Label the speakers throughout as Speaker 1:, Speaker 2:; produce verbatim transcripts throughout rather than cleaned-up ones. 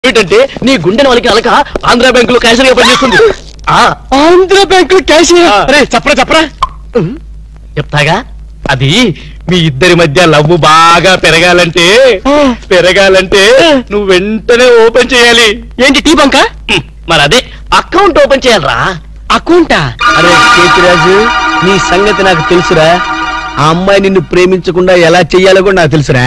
Speaker 1: ఏంటంటే నీ గుండెని వాళ్ళకి అలక ఆంధ్ర బ్యాంకులో క్యాషియర్ గా పనిచేస్తుంది.
Speaker 2: ఆంధ్ర బ్యాంకులో క్యాషియర్
Speaker 1: చెప్పరా చెప్పరా చెప్తాగా. అది మీ ఇద్దరి మధ్య లవ్ బాగా పెరగాలంటే పెరగాలంటే నువ్వు వెంటనే ఓపెన్ చేయాలి.
Speaker 2: ఏంటి టీ బంక?
Speaker 1: మరి అదే అకౌంట్ ఓపెన్ చేయాలరా.
Speaker 2: అకౌంటా?
Speaker 3: అరే కేతిరాజు, నీ సంగతి నాకు తెలుసురా. ఆ అమ్మాయి నిన్ను ప్రేమించకుండా ఎలా చెయ్యాలో కూడా నాకు తెలుసురా.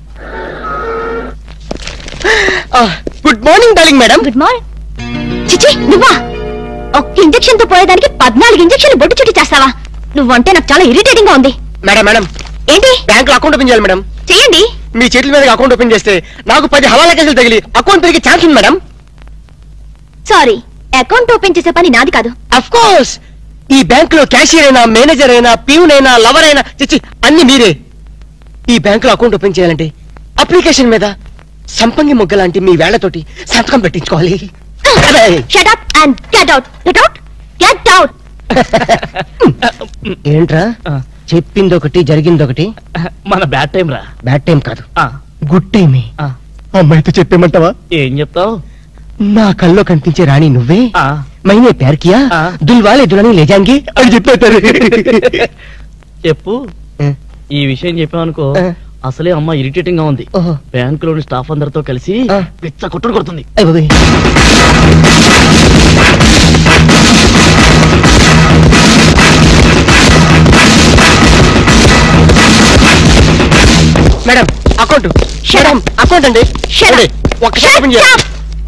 Speaker 2: Good morning darling madam.
Speaker 4: Good morning. చిచి నువ్వా? ఒక్క ఇంజెక్షన్ తో పోయేదానికి పద్నాలుగు ఇంజెక్షన్లు బొట్టు చుట్టి చేస్తావా? నువ్వంటే నాకు చాలా ఇరిటేటింగ్ గా ఉంది.
Speaker 2: మేడం మేడం
Speaker 4: ఏంటి?
Speaker 2: బ్యాంక్ లో అకౌంట్ ఓపెన్ చేయాలి మేడం.
Speaker 4: చెయ్యండి.
Speaker 2: మీ చేతుల మీద అకౌంట్ ఓపెన్ చేస్తే నాకు పది హవాలా కేసులు తగిలి అకౌంట్ పెరిగే ఛాన్స్ ఉంది మేడం.
Speaker 4: సారీ, అకౌంట్ ఓపెన్ చేసే పని నాది కాదు.
Speaker 2: అఫ్ కోర్స్ ఈ బ్యాంక్ లో క్యాషియర్ అయినా మేనేజర్ అయినా ప్యూన్ అయినా లవర్ అయినా చిచ్చి అన్ని మీరే. ఈ బ్యాంక్ లో అకౌంట్ ఓపెన్ చేయాలంటే అప్లికేషన్ మీద సంపంగి మొగ్గ లాంటి మీ వేళ్లతోటి సంతకం పెట్టించుకోవాలి.
Speaker 4: Shut up and get out. Get out. Get out.
Speaker 2: ఏంట్రా చెప్పింది ఒకటి జరిగింది ఒకటి?
Speaker 1: మన బ్యాడ్ టైం రా.
Speaker 2: బ్యాడ్ టైం కాదు, గుడ్ టైమే. అమ్మాయితో చెప్పేమంటావా?
Speaker 1: ఏం చెప్తావు?
Speaker 2: నా కల్లో కనిపించే రాణి నువ్వే, మైనే ప్యార్ కియా, దుల్వాలే దులని లేజాంగి అని చెప్పేస్తారు.
Speaker 1: చెప్పు. ఈ విషయం చెప్పావనుకో అసలే అమ్మ ఇరిటేటింగ్ గా ఉంది. బ్యాంకులోని స్టాఫ్ అందరితో కలిసి పిచ్చ కొట్టుడు కొడుతుంది. మేడం అకౌంట్ మేడం అకౌంట్ అండి. ఒక్కసారి ఓపెన్ చేయాలి.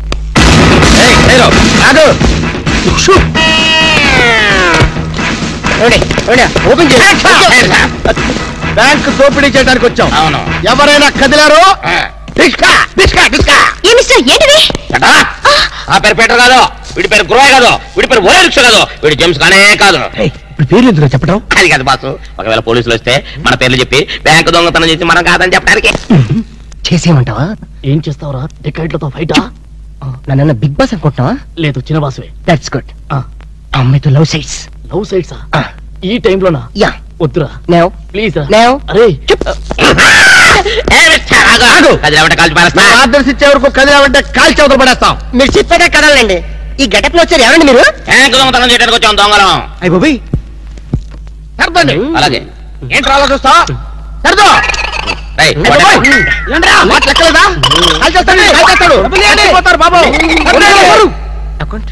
Speaker 1: ఓపెన్ చేయాలి.
Speaker 3: బ్యాంక్ దోపిడీ చేయడానికి వచ్చాం.
Speaker 1: అవును.
Speaker 3: ఎవరైనా కదిలారో
Speaker 4: ఏంటిది?
Speaker 1: ఆ పేరు పీటర్ కాదు, వీడి పేరు గురవయ్య కాదు, వీడి పేరు ఒరే రిక్ష కాదు, వీడి జేమ్స్ కానే కాదు.
Speaker 3: ఇప్పుడు పేర్లు ఎందుకు చెప్పడం?
Speaker 1: అది కాదు బాసు. ఒకవేళ పోలీసులు వస్తే మన పేర్లు చెప్పి బ్యాంకు దొంగతనం చేసి మనం కాదని చెప్పడానికి.
Speaker 2: చేసేయమంటావా?
Speaker 1: ఏం చేస్తావురా? టికెట్లతో ఫైటా?
Speaker 2: నన్ను బిగ్ బాస్ అనుకుంటున్నావా?
Speaker 1: లేదు, చిన్న బాసువే.
Speaker 2: That's good. అమ్మాయితో లవ్ సైట్స్.
Speaker 1: లవ్ సైట్సా? ఈ టైంలోనా?
Speaker 2: యా.
Speaker 1: వద్దురా
Speaker 2: నో
Speaker 1: ప్లీజ్.
Speaker 2: అరే
Speaker 3: ఆర్డర్స్ ఇచ్చే వరకు కదిలామంటే కాల్చి అవతల పడేస్తాం.
Speaker 2: మీరు చెప్పేదే కదలండి. ఈ గెటప్ లో వచ్చారు ఎవరండి మీరు?
Speaker 1: బ్యాంకు దొంగతనం చేయడానికి వచ్చాం దొంగలం.
Speaker 2: అయ్య బాబోయ్,
Speaker 3: సర్దండి.
Speaker 1: అలాగే
Speaker 3: ఏంటి రాలో చూస్తా? సర్దో. లెక్కలేదా? కాల్చేస్తాడు కాల్చేస్తాడు బాబు.
Speaker 2: Account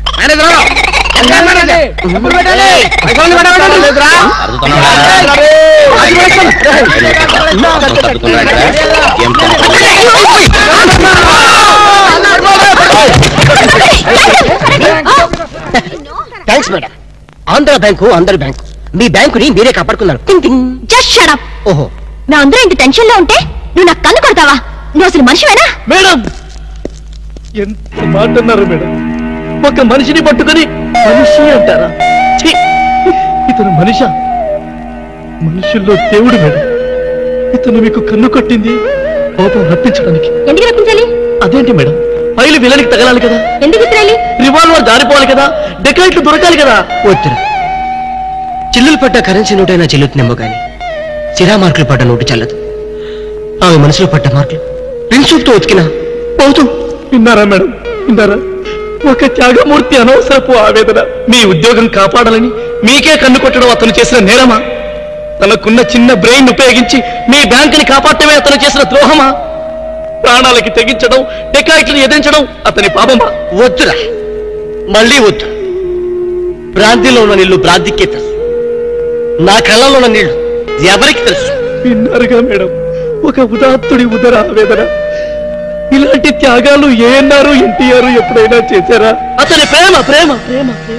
Speaker 2: thanks madam. Andhra bank అందరి బ్యాంకు. మీ బ్యాంకుని మీరే కాపాడుకున్నారు.
Speaker 4: Just shut up.
Speaker 2: ఓహో,
Speaker 4: నా అందరూ ఇంత టెన్షన్ లో ఉంటే నువ్వు నాకు కన్ను కొడతావా? నువ్వు అసలు మనిషివేనా?
Speaker 1: మేడం ఎంత మాట అన్నారు మేడం. ఒక మనిషిని పట్టుకుని మనిషి అంటారా? ఇతను మనిషా? మనుషుల్లో దేవుడు మేడం. ఇతను మీకు కన్ను కొట్టింది కోపం రప్పించడానికి.
Speaker 4: ఎందుకు రప్పించాలి?
Speaker 1: అదేంటి మేడం, ఫైలు విలనికి తగలాలి కదా,
Speaker 4: ఎందుకు ఇస్రాయలి?
Speaker 1: రివాల్వర్ జారిపోవాలి కదా, డెకాయిట్లు దొరకాలి కదా.
Speaker 2: వద్దురా. చిల్లులు పడ్డ కరెన్సీ నోటైనా చెల్లుతుందేమో గాని సిరా మార్కులు పడ్డ నోటు చల్లదు. ఆమె మనసులో పడ్డ మార్కులు ప్రిన్సూప్తో ఉతికినా పోతూ.
Speaker 1: విన్నారా మేడం, విన్నారా? ఒక త్యాగమూర్తి అనవసరపు ఆవేదన. మీ ఉద్యోగం కాపాడాలని మీకే కన్ను కొట్టడం అతను చేసిన నేరమా? తనకున్న చిన్న బ్రెయిన్ ఉపయోగించి మీ బ్యాంకుని కాపాడటమే అతను చేసిన ద్రోహమా? ప్రాణాలకి తెగించడం, డెకాయిట్లను ఎదించడం అతని పాపమా?
Speaker 2: వద్దురా, మళ్ళీ వద్దు. భ్రాంతిలో ఉన్న నీళ్లు భ్రాంతికే తెలుసు, నా కళ్ళలో ఉన్న నీళ్లు ఎవరికి తెలుసు?
Speaker 1: విన్నారుగా మేడం, ఒక ఉదాత్తుడి ఉదర ఆవేదన. ఇలాంటి త్యాగాలు ఏఎన్ఆర్ ఎన్టీఆర్ ఎప్పుడైనా చేశారా? అతని ప్రేమ ప్రేమ ప్రేమ ప్రేమ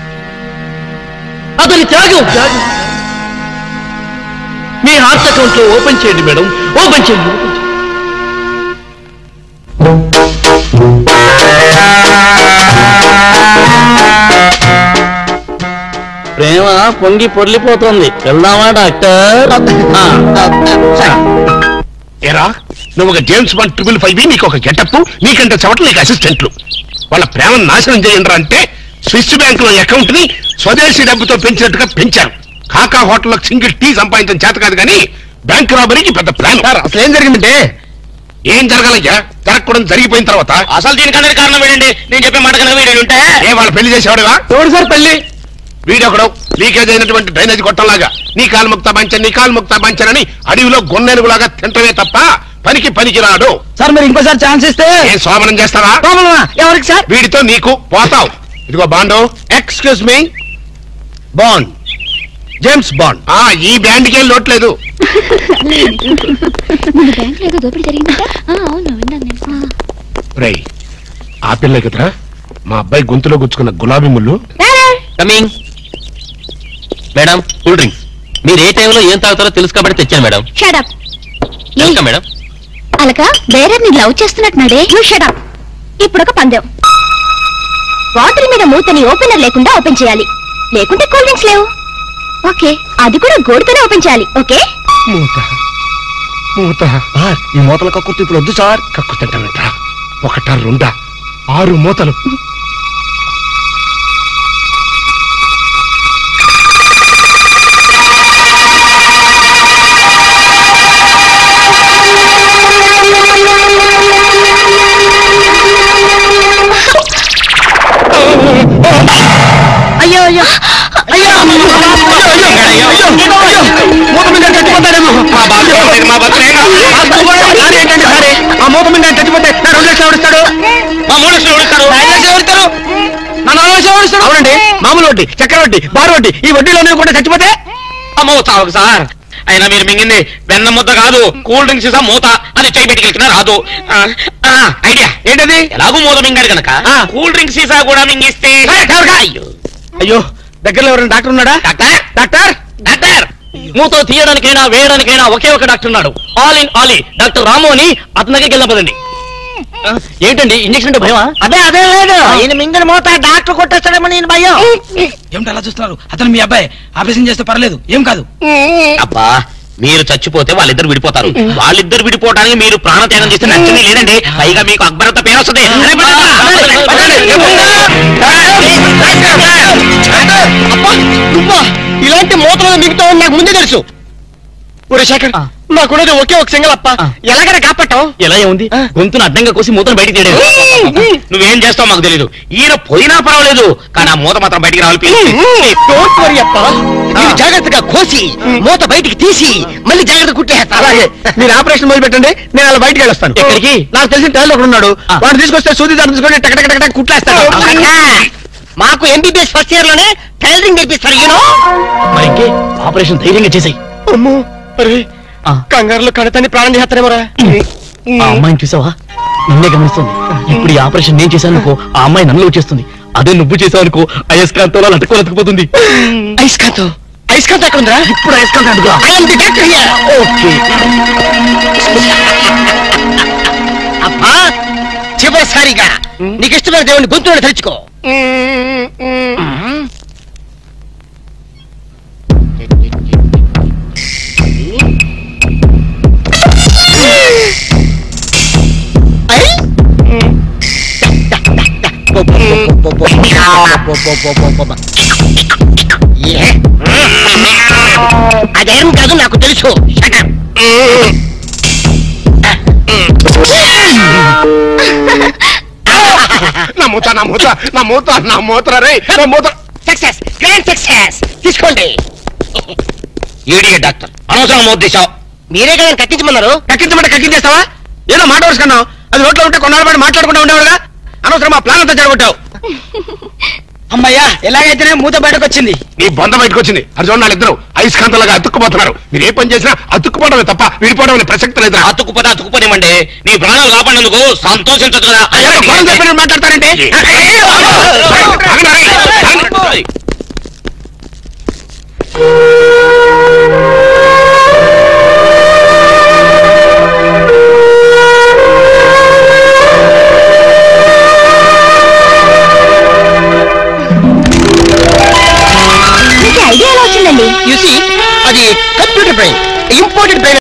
Speaker 1: అతని త్యాగం త్యాగం. మీ హార్ట్ అకౌంట్ లో ఓపెన్ చేయండి మేడం, ఓపెన్ చేయండి. ప్రేమ పొంగి పొర్లిపోతుంది. వెళ్దామా డాక్టర్?
Speaker 5: ఏరా, నువ్వు ఒక జేమ్స్ బాండ్ ట్రిపుల్ ఫైవ్, నీకు ఒక గెటప్, నీకంటే చవట నీకు అసిస్టెంట్లు. వాళ్ళ ప్రేమను నాశనం చేయండి అంటే స్విస్ బ్యాంక్ లో అకౌంట్ ని స్వదేశీ డబ్బుతో పెంచినట్టుగా పెంచారు. కాకా హోటల్లో సింగిల్ టీ సంపాదించడం చేత కాదు కానీ బ్యాంక్ రాబరీకి పెద్ద ప్లాన్.
Speaker 3: అసలు ఏం జరిగిందంటే
Speaker 5: ఏం జరగాలయ్యా? జరగకూడదు జరిగిపోయిన తర్వాత
Speaker 1: అసలు దీనికన్నా కారణం ఏంటండి? నేను చెప్పే మాట కన్నా వీడు ఉంటే
Speaker 5: ఏ వాళ్ళు పెళ్లి చేసేవాడుగా
Speaker 3: ఎవడు సార్ పెళ్లి?
Speaker 5: వీడొకడు లీకేజ్ అయినటువంటి డ్రైనేజ్ గొట్టంలాగా నీ కాలు ముక్తా పంచన్ నీ కాలు ముక్తా పంచన్ అని అడవిలో గొన్నెనుగులాగా తింటమే తప్ప పనికి పనికి రాడు.
Speaker 3: సార్ మీరు ఇంకోసారి ఛాన్స్ ఇస్తే
Speaker 5: ఏం సోమనం చేస్తావా?
Speaker 3: ఎవరికి సార్?
Speaker 5: వీడితో నీకు పోతావు. ఇదిగో bond.
Speaker 3: Excuse me, Bond, James Bond.
Speaker 5: ఆ ఈ బ్యాండ్కి ఏం లోట్లేదు.
Speaker 4: మన బ్యాంక్ ఏదో దోపిడీ జరిగిందంట. ఆ, అవును విన్నాను నేను.
Speaker 5: రేయ్ ఆ పిల్ల కదరా మా అబ్బాయి గొంతులో గుచ్చుకున్న గులాబీ ముళ్ళు.
Speaker 1: Coming madam, cool drinks. మీరు ఏ టైంలో ఏం తాగుతారో తెలుసు కాబట్టి తెచ్చాను madam.
Speaker 4: Shut up.
Speaker 1: Welcome madam.
Speaker 4: అలక బేరర్ని లవ్ చేస్తున్నట్టున్నాడే. You shut up. ఇప్పుడు ఒక పందెం. బాటిల్ మీద మూతని ఓపెనర్ లేకుండా ఓపెన్ చేయాలి, లేకుంటే కూల్ డ్రింక్స్ లేవు. ఓకే, అది కూడా గోడుతోనే ఓపెన్ చేయాలి. ఓకే?
Speaker 5: మూత మూత
Speaker 3: ఈ మూతల కక్కుర్తి ఇప్పుడు వద్దు సార్.
Speaker 5: కక్కు తింటానంట. ఒకటా రెండా ఆరు మూతలు.
Speaker 2: అయ్యో అయ్యో అయ్యో మూత మీద చచ్చిపోతాడేమో.
Speaker 5: మా బతుకేనా?
Speaker 2: ఏంటంటే సరే ఆ మూత మీద చచ్చిపోతే నా రెండు లక్షలు ఎవరిస్తాడు?
Speaker 5: మా మూడు లక్షలు ఎవరిస్తారు?
Speaker 2: ఐదు లక్షలు ఎవరిస్తారు? నా నాలుగు లక్షలు ఎవరిస్తాడు? అవునండి, మామూలు వడ్డీ, చక్కెర వడ్డీ, బారు వడ్డీ, ఈ వడ్డీలో కూడా చచ్చిపోతే
Speaker 1: అమ్మో చావు సార్. అయినా మీరు మింగింది వెన్న ముద్ద కాదు, కూల్ డ్రింక్స్ ఇసా మూత అని చేయి పెట్టుకెళ్తున్నా రాదు. ఆ, ఆ, ఐడియా
Speaker 2: ఏంటది?
Speaker 1: ఎలాగూ మూత మింగాడు కనుక
Speaker 2: ఆ.
Speaker 1: కూల్ డ్రింక్స్ సీసా కూడా మింగిస్తే. అయ్యో
Speaker 2: అయ్యో, దగ్గరలో ఎవరైనా డాక్టర్ ఉన్నాడా?
Speaker 1: డాక్టర్
Speaker 2: డాక్టర్
Speaker 1: డాక్టర్ మూతో తీయడానికైనా వేయడానికైనా ఒకే ఒక డాక్టర్ ఉన్నాడు. All in all doctor Ramu అని అతని దగ్గరికి వెళ్ళపదండి. ఏంటండి ఇంజక్షన్ అంటే భయమా?
Speaker 2: అదే అదే లేదు, ఈయన మింగిన మూత డాక్టర్ కొట్టేస్తాడేమో నేను భయం.
Speaker 6: ఏమిటి అలా చూస్తున్నారు? అతను మీ అబ్బాయి, ఆపరేషన్ చేస్తే పర్లేదు, ఏం కాదు.
Speaker 1: అబ్బా మీరు చచ్చిపోతే వాళ్ళిద్దరు విడిపోతారు. వాళ్ళిద్దరు విడిపోవడానికి మీరు ప్రాణత్యాగం చేస్తే నచ్చని లేదండి. పైగా మీకు అక్బరంత పేరు వస్తుంది.
Speaker 2: నువ్వా ఇలాంటి మూతలో మిగతావు నాకు ముందే తెలుసు. ఒరే శేఖర్, నాకున్నది ఒకే ఒక సింగల్ అప్ప, ఎలాగైనా కాపాటం.
Speaker 1: ఎలా ఏముంది, గొంతును అడ్డంగా కోసి మూతను బయటికి తీయలేదు. నువ్వేం చేస్తావు మాకు తెలీదు. ఈయన పోయినా పర్వాలేదు, కానీ ఆ మూత మాత్రం బయటికి రావాలి.
Speaker 2: డోంట్ వరీ అప్ప, నేను జాగ్రత్తగా కోసి మూత బయటికి తీసి మళ్ళీ జాగ్రత్త కుట్టేస్తా. అలాగే మీరు ఆపరేషన్ మొదలు పెట్టండి, నేను అలా బయటికి వెళ్ళొస్తాను.
Speaker 1: ఎక్కడికి?
Speaker 2: నాకు తెలిసిన టైలర్ ఒకడు ఉన్నాడు, వాడు తీసుకొస్తే సూది దాన్ని తీసుకొని టక టక టక కుట్లేస్తాడు. మాకు ఎంబీబీఎస్ ఫస్ట్ ఇయర్ లోనే టైలరింగ్ నేర్పిస్తారు. యూనో
Speaker 1: మరి ఇంకే ఆపరేషన్ ధైర్యంగా చేసాయి.
Speaker 2: అమ్మో, అరే కంగారులో కడతాన్ని ప్రాణం చేస్తారేమోరా.
Speaker 1: ఆ అమ్మాయిని చూసావా? నిన్నే గమనిస్తుంది. ఇప్పుడు ఈ ఆపరేషన్ నేను చేశాను అనుకో, ఆ అమ్మాయి నన్ను వచ్చేస్తుంది. అదే నువ్వు చేసావు అనుకో, అయస్కాంతో అట్టుకొని అతుకుపోతుంది.
Speaker 2: ఐస్కాంత్ ఐస్కాంత్ ఎక్కడ ఉందా?
Speaker 1: ఇప్పుడు అయస్కాంత్ అడుగురా.
Speaker 2: ఓకే అబ్బా, చివరిసారిగా నీకు ఇష్టమైన దేవుని గొంతుని తలుచుకో. అదేం కాదు, నాకు తెలుసు.
Speaker 5: నా మూత నా మూత నా మూత నా మూత రే నా మూత.
Speaker 2: Success, grand success. తీసుకోండి.
Speaker 1: ఈడియే డాక్టర్, అనవసరం మూత తీసావు.
Speaker 2: మీరే కదా కట్టించమన్నారు. కట్టించమంటే కట్టించేస్తావా? ఏదో మాట వరుసుకున్నావు, అది రోడ్లో ఉంటే కొన్నాళ్ళ పాటు మాట్లాడుకుంటూ ఉండేవాడుగా. అనవసరం మా ప్లాన్ అంతా చెడగొట్టావు.
Speaker 6: అమ్మయ్యా, ఎలాగైతేనే మూత బయటకు వచ్చింది.
Speaker 5: నీ బొంద బయటకు వచ్చింది. అది చూడండి వాళ్ళిద్దరు అయస్కాంతలాగా అతుక్కుపోతున్నారు. మీరు ఏ పని చేసినా అతుక్కుపోవడమే తప్ప విడిపోవడం అనే ప్రసక్తి లేదా?
Speaker 1: అతుక్కుపోతే అతుక్కుపోనివ్వండి, నీ ప్రాణాలు కాపాడేందుకు సంతోషించదు కదా.
Speaker 2: మాట్లాడతారంటే
Speaker 4: ఐడియా ఎలా వచ్చిందండి?
Speaker 2: అది కంప్యూటర్ బ్రెయిన్, ఇంపోర్టెడ్ బ్రెయిన్.